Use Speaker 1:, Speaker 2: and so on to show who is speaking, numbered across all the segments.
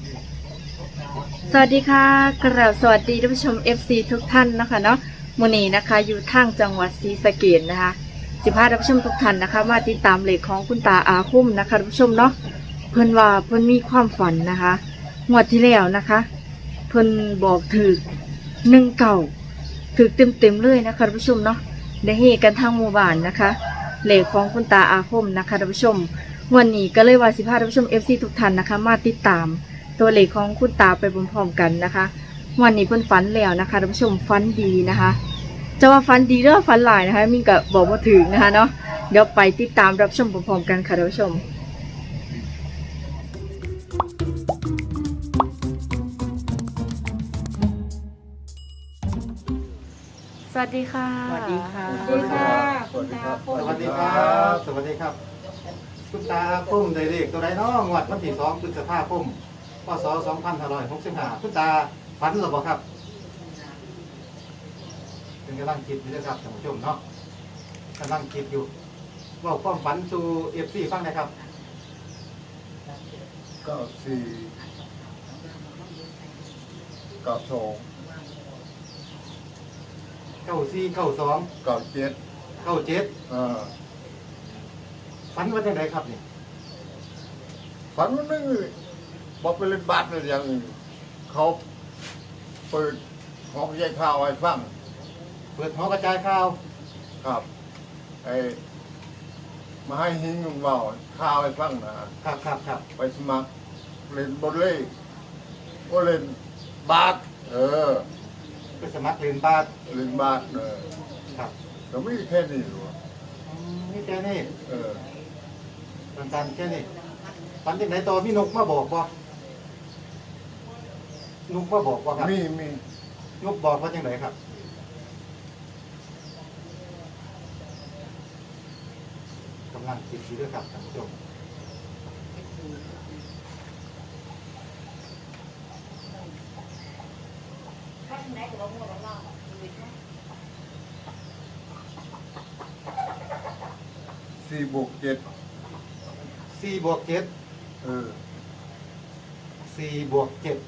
Speaker 1: สวัสดีค่ะกราบสวัสดีท่านผู้ชม FC ทุกท่านนะคะเนาะมื้อนี้นะคะอยู่ทางจังหวัดศรีสะเกษนะคะ15ท่านผู้ชมทุกท่านนะคะมาติดตามเลขของคุณตาอาคุ้มนะคะท่านผู้ชมเนาะเพิ่นว่าเพิ่นมีความฝันนะคะงวดที่แล้วนะคะเพิ่นบอกถึก19ถึกเต็มเลยนะคะท่านผู้ชมเนาะได้เฮกันทางหมู่บ้านนะคะเลขของคุณตาอาคุ้มนะคะท่านผู้ชมวันนี้ก็เลยว่า15ท่านผู้ชม FC ทุกท่านนะคะมาติดตามตัวเลขของคุณตาไปพร้อมๆกันนะคะวันนี้เพิ่นฝันแล้วนะคะท่านผู้ชมฝันดีนะคะจะว่าฝันดีหรือฝันหลายนะคะมินก็บอกว่าถึงนะคะเนาะเดี๋ยวไปติดตามรับชมพร้อมๆกันค่ะท่านผู้ชมสวัสดีค่ะ
Speaker 2: สวัสดีค่ะ
Speaker 1: สวัสดีค่ะ
Speaker 2: คุณตา
Speaker 3: สวัสดีครับสวัสดีครับคุณตาพุ่มได้เลขตัวใดเนาะงวดวันที่2พฤษภาคมพศ2565คุณตาฝันหรือเปล่าครับเป็นกำลังคิดอยู่นะครับท่านผู้ชมเนาะกำลังคิดอยู่ว่าความฝันสู่ FC ฟังนะครับ
Speaker 2: 94 92
Speaker 3: 94 92
Speaker 2: 97
Speaker 3: 97ฝันว่าจังไดครับนี่
Speaker 2: ฝันวันนึงบอกไปเล่นบาสเลยอย่างอื่นเขาเปิดห้องแยกข้าวให้ฟัง
Speaker 3: เปิดหอกระจายข่าว
Speaker 2: ครับไอ้มาให้หิ้งลุงเบาข้าวให้ฟังนะครับ
Speaker 3: ครับ
Speaker 2: ไปสมัครเล่นบอลเล่ก็เล่นบาส
Speaker 3: ไปสมัครเรียนบาส
Speaker 2: เล่นบาส
Speaker 3: ครับ
Speaker 2: ก็ไม่แค่นี้หรอก
Speaker 3: นี่แค่นี้
Speaker 2: เ
Speaker 3: สั้นๆแค่นี้ฝันจังไดต่อมีนกมาบอกบ่นกมาบอกบ่ครับ
Speaker 2: มี
Speaker 3: นกบอกว่าจังไดครับกำลังคิดอยู่ด้วยครับท่านผู้ชม
Speaker 2: 4 บวก 7
Speaker 3: 4 บวก 7 4 บวก 7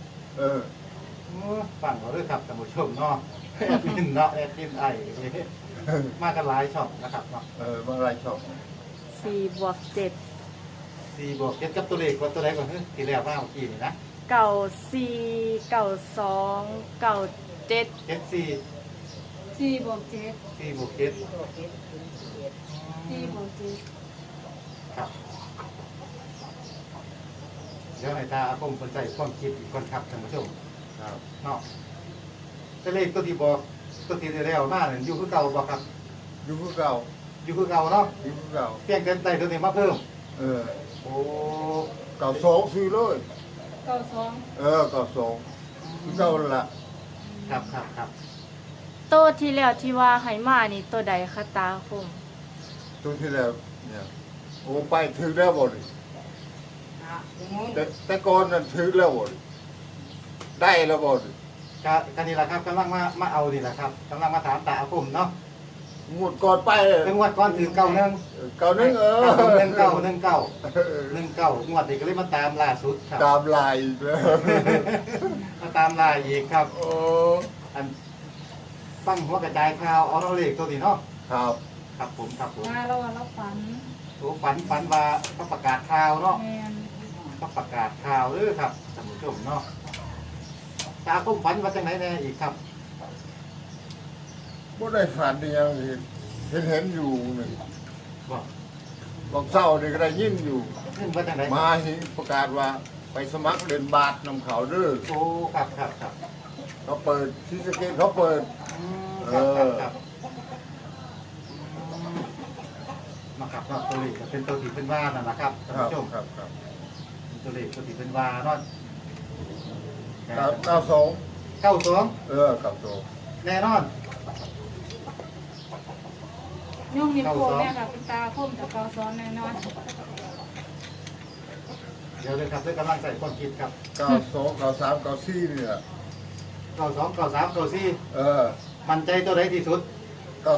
Speaker 3: ฟังเอาด้วยครับท่านผู้ชมเนาะแอดมินเนาะแอดมินไอมากันหลายช่องนะครับเนาะ
Speaker 2: บางรายชอบ
Speaker 1: 4 บวก 7
Speaker 3: 4 บวก 7กับตัวเลขกับตัวใดก่อนที่แล้วมาเมื่อกี้นี่นะ
Speaker 1: 94 92 97
Speaker 3: 74
Speaker 4: 4 บวก 7
Speaker 3: 4 บวก 7
Speaker 4: 4 บวก
Speaker 3: ครับเดี๋ยวให้ตาอาคมคนใส่ความคิดอีกคนครับท่านผู้ชม
Speaker 2: ครับ
Speaker 3: เนาะแต่เลขตัวที่บอกตัวที่ได้แล้วมาเนี่ยอยู่คือเก่าบอกครับ
Speaker 2: อยู่คือเก่า
Speaker 3: อยู่คือเก่าเนาะ
Speaker 2: อยู่คือเก่า
Speaker 3: เพียงแต่ใส่ตัวนี้มาเพิ่มโอ้
Speaker 2: เก่าสองซื้อเลย
Speaker 4: 7 92
Speaker 2: เก่าสองคือเก่าละ
Speaker 3: ครับ
Speaker 1: โตวที่แล้วที่ว่าไหมานี่ตัวใดคะตาคม
Speaker 2: ตัวที่แล้วเนี่ยโอ้ไปถือแล้วบ่ดิแต่ก่อนนั้นถือแล้วบ่ดิได้แล้วบ่ดิ
Speaker 3: กันนี่แหละครับกำลังมาเอานี่แหละครับกำลังมาถามตาอาคมเนาะ
Speaker 2: งวดก่อนไป
Speaker 3: เป็นงวดก่อนถือเก่าหนึ่ง
Speaker 2: เก่านึง
Speaker 3: หนึ่งเก่างวดนี้ก็เลยมาตามล่าสุดครับ
Speaker 2: ตามลายอีกแล้ว
Speaker 3: มาตามล่าอีกครับ
Speaker 2: โอ้
Speaker 3: อันฟังหัวกระจายข่าวเอาเราเลขตัวนี้เนาะ
Speaker 2: ครับ
Speaker 3: ครับผม
Speaker 4: มาแล้วว่าเราฝัน
Speaker 3: โอ้ฝันว่าเขาประกาศข่าวเนาะ
Speaker 4: แมน
Speaker 3: เขาประกาศข่าวครับท่านผู้ชมเนาะตาคุ้มฝันว่าจังไหนแน่อีกครับ
Speaker 2: บ่ได้ฝันยังเห็นอยู่นึง
Speaker 3: บอก
Speaker 2: บอกเศร้านี่ก็ได้ยินอยู่
Speaker 3: ขึ้นว่าจังไหน
Speaker 2: มาหิประกาศว่าไปสมัครเล่นบาสนำเขาเด้อ
Speaker 3: โอ้ครับ
Speaker 2: เขาเปิดที่สเกตเขาเปิด
Speaker 3: ครับมาครับเนาะตัวเลขก็เป็นตัวที่เป็นว่านั่นแหละครับท่าน
Speaker 2: ครับ
Speaker 3: ผู้ชม
Speaker 2: ครับ
Speaker 3: เป็นตัวเลขตัวที่เป็นว่าเนาะ
Speaker 2: 92
Speaker 3: 92
Speaker 2: 92
Speaker 3: แน่นอน
Speaker 4: ยุ่งนิโป้แม่กับคุณตาคมกับ92แน่นอน
Speaker 3: เดี๋ยวเลยครับด้วยกำลังใส่ความคิดครับ
Speaker 2: 92 93 94นี่แหละ
Speaker 3: 92 93 94มั่นใจตัวใดที่สุด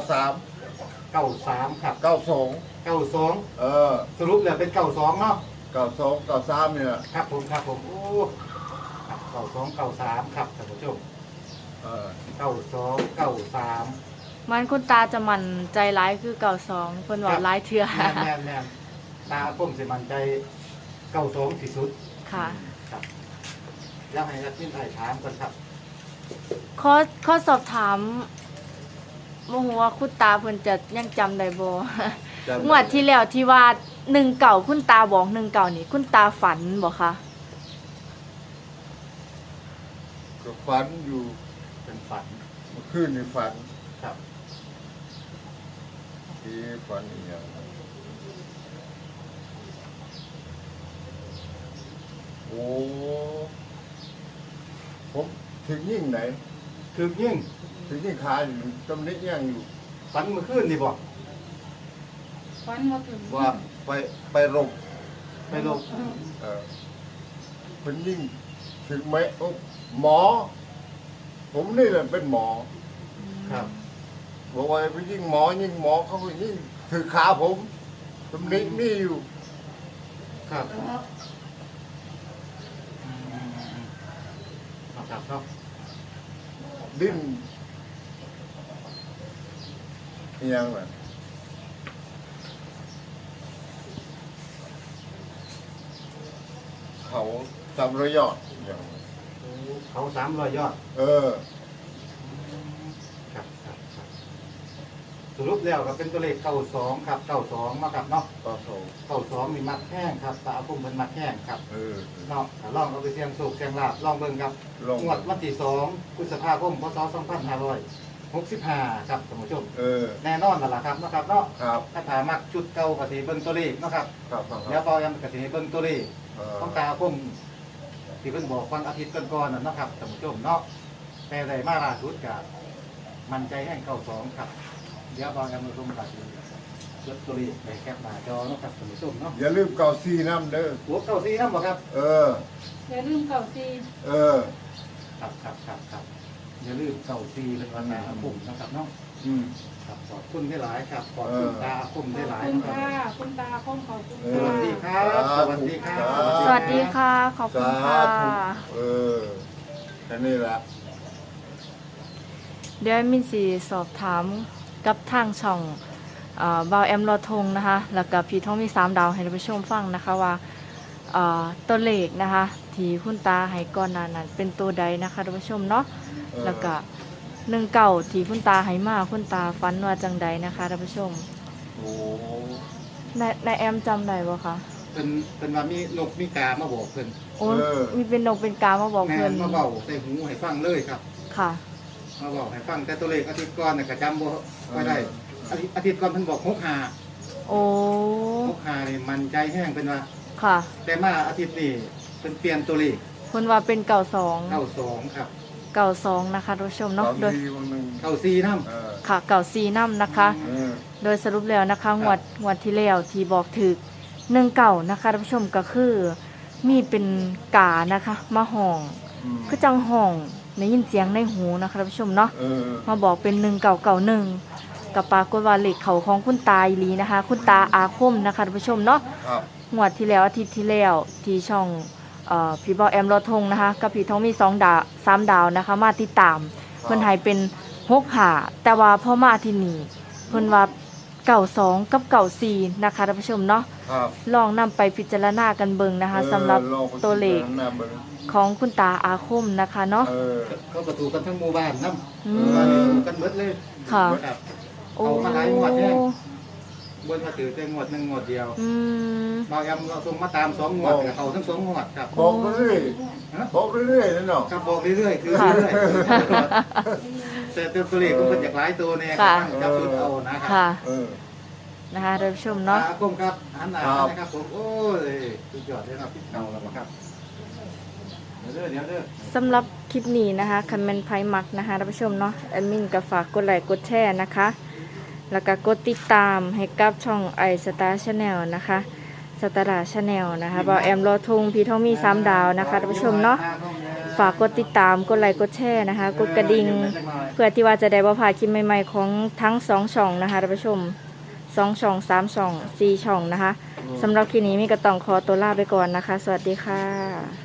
Speaker 2: 93
Speaker 3: 93ครับ
Speaker 2: 92
Speaker 3: 92
Speaker 2: ส
Speaker 3: สรุปแล้วเป็น92เนาะ
Speaker 2: 92 93เนี่ย
Speaker 3: ครับผมครับผมโอ้ครับ92 93ครับท่านผู้ชม
Speaker 2: เออ
Speaker 3: 92 93
Speaker 1: มันคุณตาจะมั่นใจร้ายคือ92เพิ่นว่าร้ายเทื่อ
Speaker 3: แม่นตาผมสิมั่นใจ92ที่สุด
Speaker 1: ค่ะ
Speaker 3: ครับแล้วให้นักวินไทยถามกันครับ
Speaker 1: ข้อสอบถามบ่ฮู้ว่าคุณตาเพิ่นจะยังจำได้บ่
Speaker 2: จำได้
Speaker 1: งวดที่แล้วที่ว่า19คุณตาบอก19นี่คุณตาฝันบ่คะ
Speaker 2: ก็ฝันอยู่
Speaker 3: เป็นฝัน
Speaker 2: เมื่อคืนนี่ฝัน
Speaker 3: ครับ
Speaker 2: ที่ฝันอีหยังโอ้ผมถึงยิ่งไหน
Speaker 3: คือยิ่ง
Speaker 2: ถึงยิ่งขาอยู่ตำหนิยังอยู่
Speaker 3: ฝันเมื่อคืนนี่บอก
Speaker 4: ฟันมาถึง
Speaker 2: ว่าไปรบ
Speaker 3: ไปลง
Speaker 2: เป็นยิ่งถึงไหมโอ้หมอ ผมนี่แหละเป็นหมอ
Speaker 3: ครับ
Speaker 2: บอกว่าไปยิ่งหมอเขาก็ยิ่งถือขาผมตำหนินี่อยู่
Speaker 3: ครับครับเนาะ
Speaker 2: ดิ้นอิหยังไงเขาจำระยอดอย่าง
Speaker 3: เขา300 ยอด
Speaker 2: เออ
Speaker 3: ครับสรุปแล้วก็เป็นตัวเลข92ครับ92มาครับเนาะ
Speaker 2: ต่อโซ
Speaker 3: 92มีมัดแห้งครับตาพุ่มเป็นมัดแห้งครับ
Speaker 2: เออ
Speaker 3: เนาะถ้าลองเอาไปเสี่ยงโชคเสี่ยงลาภลองเบิ่งครับ
Speaker 2: ลอง
Speaker 3: งวดวันที่2พฤษภาคมพศ2565ครับท่านผู้ชม
Speaker 2: เออ
Speaker 3: แน่นอนนั่นล่ะครับเนาะครับเนาะ
Speaker 2: ครับ
Speaker 3: ถ้าถามักชุดเก่าก็สิเบิ่งตัวเลขเนาะครับ
Speaker 2: ครับครับ
Speaker 3: เดี๋ยวเบายังก็สิให้เบิ่งตัวเลข
Speaker 2: เออ
Speaker 3: ต้องตาพุ่มที่เพิ่นบอกวันอาทิตย์ก่อนๆนั่นเนาะครับท่านผู้ชมเนาะแต่ได้มาล่าสุดก็มั่นใจแห่ง92ครับเดี๋ยวเบายังมาชมกันจดตัวเลขไปแคปหน้าจอเนาะครับท่านผู้ชมเนาะ
Speaker 2: อย่าลืมเก่าซีน้ำเด้อ
Speaker 3: หัว94นำบ่ครับ
Speaker 2: เออ
Speaker 4: อย่าลืมเก่าซี
Speaker 2: เออ
Speaker 3: ครับอย่าลืม94เป็นวันหน้าพุ่มนะครับเนาะ
Speaker 2: อืม
Speaker 3: ครับขอบคุณได้หลายครับขอบคุณตาพุ่ม
Speaker 4: ข
Speaker 3: ได้
Speaker 4: อบ
Speaker 3: หลาย
Speaker 4: คุณ
Speaker 3: นะค
Speaker 4: ค่ะ
Speaker 3: รับ
Speaker 4: คุณตาคมขอบคุณ
Speaker 2: เอ
Speaker 3: ส
Speaker 2: อ
Speaker 3: วัสดีค
Speaker 4: ค่ะ
Speaker 3: รับสวัสดีครับ
Speaker 1: สวัสดีค่ะ ขอบคุณค่ะ
Speaker 2: เออแค่นี้ละ
Speaker 1: เดี๋ยวมินสีสอบถามกับทางช่องบาวแอมรอทงนะคะ แล้วก็พี่ท้องมี3 ดาวให้ท่านผู้ชมฟังนะคะว่าตัวเลขนะคะที่คุณตาให้ก่อนหน้านั้นเป็นตัวใดนะคะท่านผู้ชมเนาะ
Speaker 2: เออ
Speaker 1: แล้วก็19ที่คุณตาให้มาคุณตาฝันว่าจังใดนะคะท่านผู้ชม
Speaker 2: โอ้
Speaker 1: นายแอมจำได้บ่คะ
Speaker 3: เป็นว่ามีนกมีกามาบอกเพิ่น
Speaker 1: โอ้มีเป็นนกเป็นกามาบอก
Speaker 3: แม่
Speaker 1: เพิ่น
Speaker 3: นมาเบาใส่หูให้ฟังเลยครับ
Speaker 1: ค่ะ
Speaker 3: มาบอกให้ฟังแต่ตัวเลขอาทิตย์ก่อนน่ะก็จำบ่ค่อยได้อาทิตย์ก่อนเพิ่นบอก65
Speaker 1: โอ้
Speaker 3: 65นี่มันใจแห้งเป็นว่า
Speaker 1: ค่ะ
Speaker 3: แต่มาอาทิตย์นี้เพิ่นเปลี่ยนตัวเลข
Speaker 1: เพิ่นว่าเป็น92
Speaker 3: 92ครับ
Speaker 1: 92นะคะท่านผู้ชมเนาะ
Speaker 2: ตอน
Speaker 1: โดย
Speaker 2: นี้วันหนึ่ง
Speaker 3: 94นำ
Speaker 2: เออ
Speaker 1: ค่ะ94นำนะคะ
Speaker 2: เออ
Speaker 1: โดยสรุปแล้วนะคะงวดที่แล้วที่บอกถึก19นะคะท่านผู้ชมก็คือมีเป็นกานะคะมาห้อง
Speaker 2: อืม
Speaker 1: คือจังห้องได้ยินเสียงในหูนะคะท่านผู้ชมเนาะ
Speaker 2: เออ
Speaker 1: มาบอกเป็น1991กับปรากฏว่าเลขเขาของคุณตาอีหลีนะคะ คุณตาอาคมนะคะท่านผู้ชมเนาะ
Speaker 2: ครับ
Speaker 1: งวดที่แล้วอาทิตย์ที่แล้วที่ช่องพี่บอแอมรอทงนะคะกับพี่ทองมี2 ดาว3 ดาวนะคะมาติดตามเพิ่นให้เป็น6 หาแต่ว่าพอมาที่นี่เพิ่นว่า92กับ94นะคะท่านผู้ชมเนาะ
Speaker 2: ครับ
Speaker 1: ลองนำไปพิจารณากันเบิ่งนะคะสำหรับ
Speaker 2: ลองไป
Speaker 1: ตัวเลข
Speaker 2: พิจารณาเบิ่ง
Speaker 1: ของคุณตาอาคมนะคะเนาะ
Speaker 2: เออ
Speaker 3: เขาก็ถูกกันทั้งหมู่บ้านนำ
Speaker 1: อื
Speaker 3: หมู่บ้านนี่
Speaker 1: ม
Speaker 3: ถูกกันเบิดเลย
Speaker 1: ค่ะ
Speaker 3: ครับ
Speaker 1: โอ้
Speaker 3: เอามาหลายงวดแน่บนมาถือแต่งวดหนึงงวดเดียว
Speaker 1: อืม
Speaker 3: บางแอมเราส่งมาตาม2งวดก็เอาทั้ง2งวดครับ
Speaker 2: บอกเรื่อย
Speaker 3: ฮะ
Speaker 2: ๆบอกเรื่อยๆนั่นเนาะ
Speaker 3: ครับบอกเรื่อยๆคือ
Speaker 1: ค่ะ
Speaker 3: เรื่อยๆแต่ตัวเลขมันจากหลายตัวเนี่ย
Speaker 1: ค่ะ
Speaker 3: จับจุดเอานะครั
Speaker 1: ค่ะ
Speaker 2: เออ
Speaker 1: นะคะท่านผู้ชมเนาะ
Speaker 3: อาคมครับหันหน้า
Speaker 2: ครับ
Speaker 3: นะครับผมโอ้ยสุดยอดเลยครับพี่เก่าแล้วครับเดี๋ยวเด้อ
Speaker 1: สำหรับคลิปนี้นะคะคันแมนไพมักนะคะท่านผู้ชมเนาะแอดมินก็ฝากกดไลค์กดแชร์นะคะ แล้วก็กดติดตามให้กับช่องไอสตาร์ชาแนลนะคะสตาร์ชาแนลนะคะบอแอมรอทงพี่ทองมี3 ดาวนะคะท่านผู้ชมเนาะฝากกดติดตามกดไลค์กดแชร์นะคะกดกระดิ่งเพื่อที่ว่าจะได้บ่พลาดคลิปใหม่ๆของทั้ง2 ช่องนะคะท่านผู้ชม 2 ช่อง 3 ช่อง 4 ช่องนะคะสำหรับคลิปนี้มีก็ต้องขอตัวลาไปก่อนนะคะ สวัสดีค่ะ